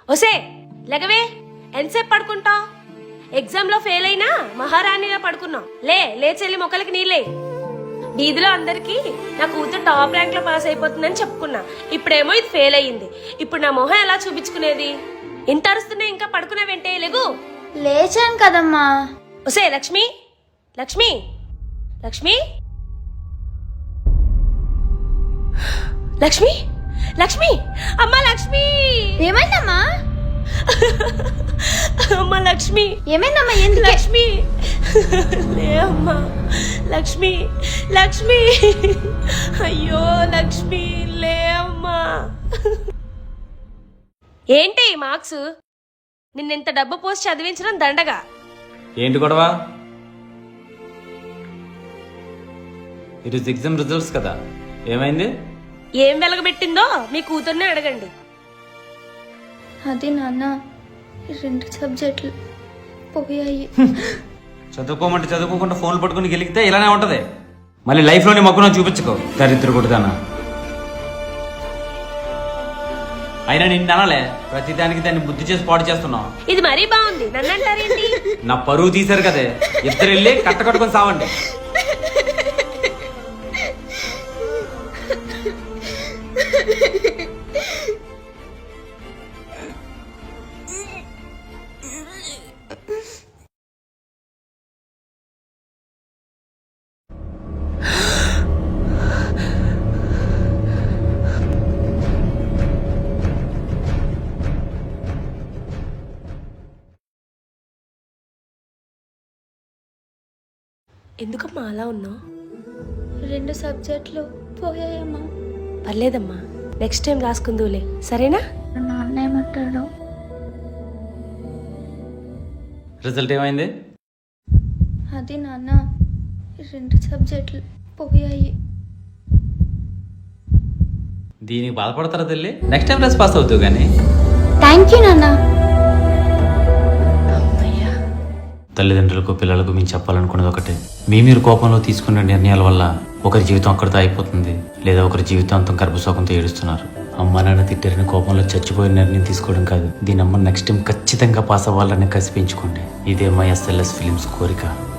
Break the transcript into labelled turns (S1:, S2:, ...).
S1: ఒసే లెగవే, ఎంతసేపు పడుకుంటావు? ఎగ్జామ్ లో ఫెయిల్ అయినా మహారాణిగా పడుకున్నావు. లేచెల్లి మొక్కలకి నీళ్ళే. వీధిలో అందరికి నా కూతురు టాప్ ర్యాంక్ లో పాస్ అయిపోతుందని చెప్పుకున్నా. ఇప్పుడేమో ఇది ఫెయిల్ అయ్యింది. ఇప్పుడు నా మొహం ఎలా చూపించుకునేది? ఇంత అరుస్తున్నా ఇంకా పడుకున్నావేంటే? లెగు.
S2: లేచాను కదమ్మా.
S1: ఒసే లక్ష్మి, లక్ష్మి, లక్ష్మి, లక్ష్మి, లక్ష్మి, అమ్మా లక్ష్మి.
S2: ఏమైందమ్మా?
S1: అమ్మా లక్ష్మి.
S2: ఏమైందమ్మా? ఎందుకు?
S1: లక్ష్మి లే అమ్మా. లక్ష్మి, లక్ష్మి, అయ్యో లక్ష్మి లే అమ్మా. ఏంటి ఈ మార్క్స్? నిన్నెంత డబ్బు పోస్ట్ చదివించడం దండగా.
S3: ఏంటి గొడవ? ఈరోజు ఎగ్జామ్ రిజల్ట్స్ కదా, ఏమైంది?
S1: ఏం వెలగబెట్టిందో మీ కూతుర్నే అడగండి.
S2: అది నాన్న, 2 సబ్జెక్టులు పోయాయి.
S3: చదువుకోమంటే చదువుకోకుండా ఫోన్లు పట్టుకుని గెలిగితే ఇలానే ఉంటది. మళ్ళీ లైఫ్ లోని మొక్కను చూపించుకో, దరిద్ర కొడుతానా. అయినా నిన్ను అనలే, ప్రతి దానికి దాన్ని బుద్ధి చేసి పాడు చేస్తున్నావు.
S1: ఇది మరీ బాగుంది, నన్ను అంటారేంటి?
S3: నా పరువు తీశారు కదే, ఇద్దరు వెళ్ళి కట్టుకొని సావండి.
S1: ఎందుకమ్మా అలా ఉన్నావు?
S2: 2 సబ్జెక్టులు పోయాయమ్మా.
S1: పర్లేదమ్మా, నెక్స్ట్ టైం రాసుకుందులే, సరేనా?
S2: నాన్న ఏమంటాడు?
S3: రిజల్ట్ ఏమైంది?
S2: అది నాన్న, 2 సబ్జెక్టులు పోయాయి.
S3: దీనికి బాధపడతారా తల్లి? నెక్స్ట్ టైం క్లాస్ పాస్ అవుతావు కానీ.
S2: థ్యాంక్ యూ నాన్న.
S3: తల్లిదండ్రులకు పిల్లలకు మేము చెప్పాలనుకున్నది ఒకటే, మీరు కోపంలో తీసుకున్న నిర్ణయాల వల్ల ఒకరి జీవితం అక్కడితో అయిపోతుంది, లేదా ఒకరి జీవితాంతం గర్భశోకంతో ఏడుస్తున్నారు. అమ్మ నాన్న తిట్టారని కోపంలో చచ్చిపోయిన నిర్ణయం తీసుకోవడం కాదు, దీని అమ్మ నెక్స్ట్ టైం ఖచ్చితంగా పాస్ అవ్వాలని కసి పెంచుకోండి. ఇదే మై ఎస్ఎల్ఎస్ ఫిలిమ్స్ కోరిక.